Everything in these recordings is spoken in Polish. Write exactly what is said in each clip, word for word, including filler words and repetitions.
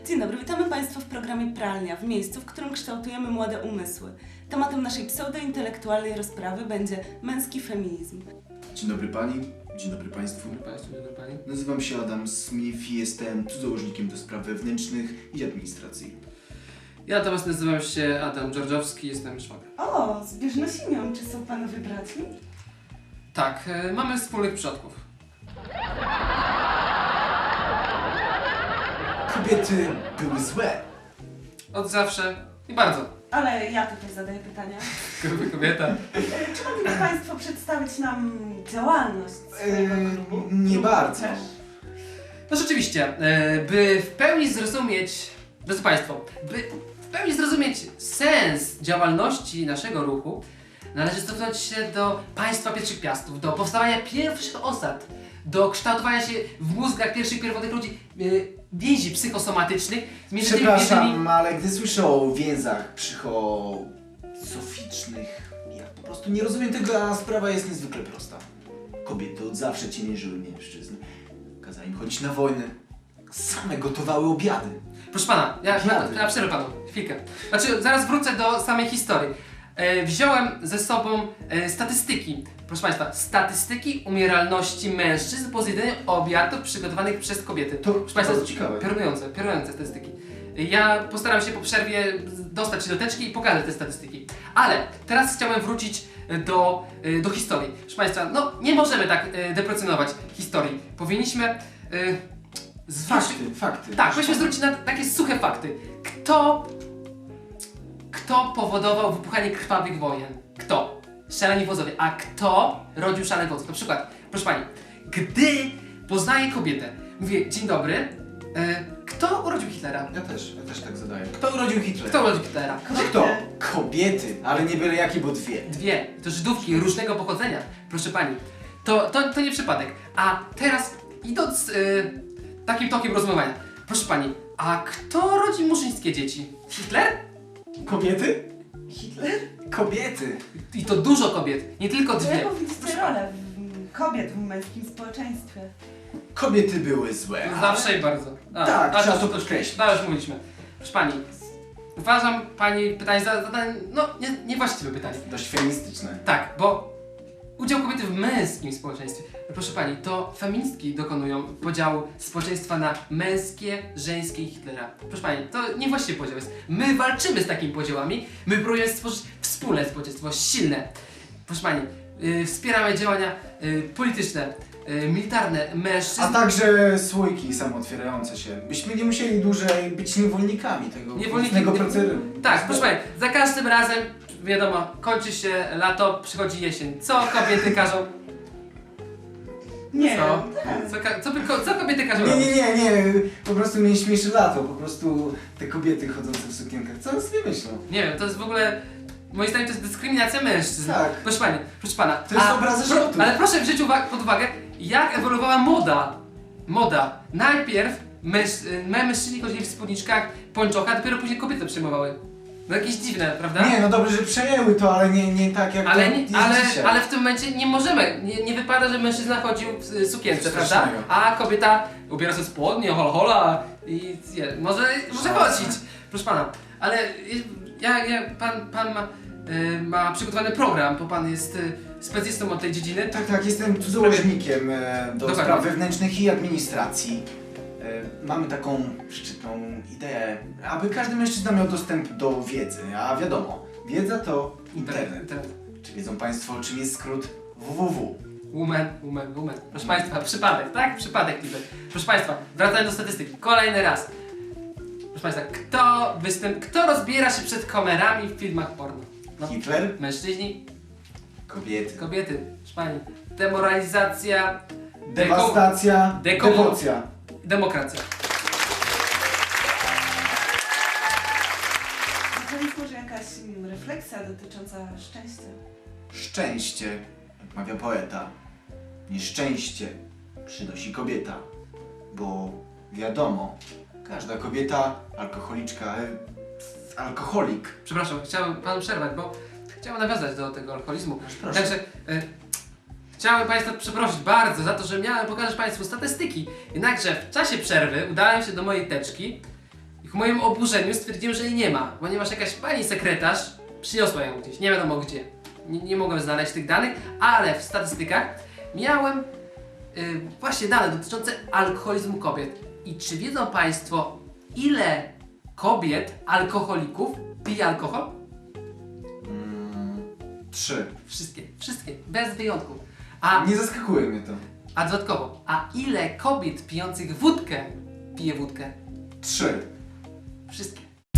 Dzień dobry, witamy Państwa w programie Pralnia, w miejscu, w którym kształtujemy młode umysły. Tematem naszej pseudointelektualnej rozprawy będzie męski feminizm. Dzień dobry Pani, dzień dobry Państwu. Dzień dobry Państwu, dzień dobry Pani. Nazywam się Adam Smith i jestem cudzołożnikiem do spraw wewnętrznych i administracji. Ja natomiast nazywam się Adam Dżordżowski, jestem szwagrem. O, zbieżność imion, czy są Panowie braćmi? Tak, e, mamy wspólnych przodków. Kobiety były złe. Od zawsze i bardzo. Ale ja tutaj zadaję pytania. Gruby kobieta. Czy mogliby Państwo przedstawić nam działalność swojego Eee, klubu? nie Lub bardzo. też? No rzeczywiście, e, by w pełni zrozumieć, drodzy Państwo, by w pełni zrozumieć sens działalności naszego ruchu, należy cofnąć się do państwa pierwszych piastów, do powstawania pierwszych osad, do kształtowania się w mózgach pierwszych pierwotnych ludzi e, więzi psychosomatycznych. między tymi Przepraszam, więziami- ale gdy słyszę o więzach psychosoficznych, ja po prostu nie rozumiem tego, a sprawa jest niezwykle prosta. Kobiety od zawsze ciemiężyły mężczyzn. Kazali im chodzić na wojnę. Same gotowały obiady. Proszę pana, ja, ja, Obiady. ja przerwę panu, chwilkę. Znaczy, zaraz wrócę do samej historii. E, wziąłem ze sobą e, statystyki, proszę państwa, statystyki umieralności mężczyzn po zjedzeniu obiadów przygotowanych przez kobiety. To Proszę państwa, bardzo ciekawe. piorunujące, piorunujące statystyki. Ja postaram się po przerwie dostać się do teczki i pokażę te statystyki. Ale teraz chciałem wrócić do, e, do historii. Proszę państwa, no nie możemy tak e, deprecjonować historii. Powinniśmy... E, zwrócić- Fakty, fakty. tak, musimy zwrócić na takie suche fakty. Kto... Kto powodował wybuchanie krwawych wojen? Kto? Szaleni wodzowie. A kto rodził szalonych wodzów? Na przykład, proszę pani, gdy poznaję kobietę, mówię, dzień dobry, e, kto urodził Hitlera? Ja też, ja też tak zadaję. Kto urodził Hitlera? Kto urodził Hitlera? Kto? Kobiety, ale nie byle jakie, bo dwie. Dwie. To Żydówki różnego pochodzenia, proszę pani. To, to, to nie przypadek. A teraz, idąc e, takim tokiem rozumowania, proszę pani, a kto rodzi murzyńskie dzieci? Hitler? Kobiety? Hitler? Kobiety. I to dużo kobiet, nie tylko To dwie. jaką widzicie rolę w- kobiet w męskim społeczeństwie? Kobiety były złe. Zawsze i bardzo. A, Tak, a, trzeba to, to to, podkreślić. to już mówiliśmy. Proszę pani, uważam pani pytanie za zadanie, no nie, niewłaściwe pytanie. Dość feministyczne. Tak, bo udział kobiety w męskim społeczeństwie. Proszę pani, to feministki dokonują podziału społeczeństwa na męskie, żeńskie i Hitlera. Proszę pani, to niewłaściwy podział jest. My walczymy z takimi podziałami, my próbujemy stworzyć wspólne społeczeństwo, silne. Proszę pani, yy, wspieramy działania yy, polityczne, yy, militarne mężczyzn. A także słoiki samootwierające się. Byśmy nie musieli dłużej być niewolnikami tego Niewolniki- własnego procesu. Tak, proszę pani, za każdym razem, wiadomo, kończy się lato, przychodzi jesień. Co kobiety każą? Nie, Co? tak. Co, ka- co, by ko- co kobiety każą Nie, robić? nie, nie, nie. Po prostu mnie śmieszy lato. Po prostu te kobiety chodzące w sukienkach. Co one sobie myślą? Nie wiem, to jest w ogóle, moim zdaniem to jest dyskryminacja mężczyzn. Tak. Proszę pani, proszę pana. To jest obraza żartów. Ale proszę wziąć uwa- pod uwagę, jak ewoluowała moda. Moda. Najpierw męż- y, mężczyźni chodzili w spódniczkach, pończochach, dopiero później kobiety przyjmowały. No jakieś dziwne, prawda? Nie, no dobrze, że przejęły to, ale nie, nie tak jak Ale, to nie, jest ale, dzisiaj. ale w tym momencie nie możemy, nie, nie wypada, że mężczyzna chodził w y, sukience, Coś prawda? strasznego. A kobieta ubiera sobie spodnie, hol hola i je, może, może Szansa. chodzić, proszę pana. Ale y, ja, ja, pan, pan ma, y, ma przygotowany program, bo pan jest y, specjalistą od tej dziedziny. Tak, tak, jestem cudzołożnikiem e, do Dokładnie. spraw wewnętrznych i administracji. E, mamy taką szczytną ideę, aby każdy mężczyzna miał dostęp do wiedzy, a wiadomo, wiedza to internet. Internet. Czy wiedzą Państwo, czym jest skrót www? Woman, woman, woman. Proszę państwa, przypadek, tak? Przypadek niby. Proszę państwa, wracając do statystyki, kolejny raz. Proszę państwa, kto występ, kto rozbiera się przed kamerami w filmach porno? No, Hitler? mężczyźni, Kobiety. kobiety, proszę pani. Demoralizacja, Dewastacja, Deko- dewocja. demokracja. Na koniec może jakaś mm, refleksja dotycząca szczęścia. Szczęście, jak mawia poeta, nieszczęście przynosi kobieta, bo wiadomo, każda kobieta, alkoholiczka, e, alkoholik. Przepraszam, chciałem panu przerwać, bo chciałem nawiązać do tego alkoholizmu. Proszę. Także e, chciałem państwa przeprosić bardzo za to, że miałem pokazać państwu statystyki. Jednakże w czasie przerwy udałem się do mojej teczki Ku mojemu oburzeniu stwierdziłem, że jej nie ma, ponieważ jakaś pani sekretarz przyniosła ją gdzieś, nie wiadomo gdzie. Nie, nie mogłem znaleźć tych danych, ale w statystykach miałem yy, właśnie dane dotyczące alkoholizmu kobiet. I czy wiedzą Państwo, ile kobiet, alkoholików pije alkohol? Mm, trzy. Wszystkie, wszystkie, bez wyjątku. A, Nie zaskakuje mnie to. a dodatkowo, a ile kobiet pijących wódkę pije wódkę? Trzy. Wszystkie.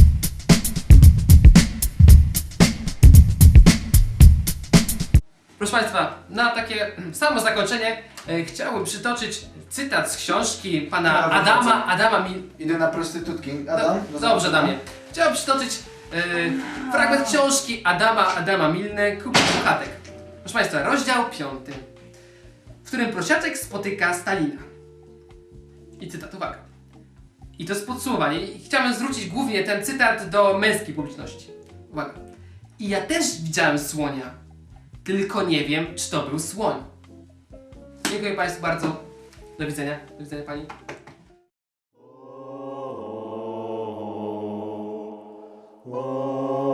Proszę Państwa, na takie samo zakończenie e, chciałbym przytoczyć cytat z książki pana Brawo, Adama, bardzo. Adama Mil... Idę na prostytutki. Adam? Do, dobrze, Adamie. Chciałbym przytoczyć e, fragment książki Adama, Adama Milne, Kupić Puchatek. Proszę Państwa, rozdział piąty, w którym prosiaczek spotyka Stalina. I cytat, uwaga. I to jest podsumowanie. I chciałbym zwrócić głównie ten cytat do męskiej publiczności. Uwaga. I ja też widziałem słonia, tylko nie wiem, czy to był słoń. Dziękuję Państwu bardzo. Do widzenia. Do widzenia Pani. Whoa.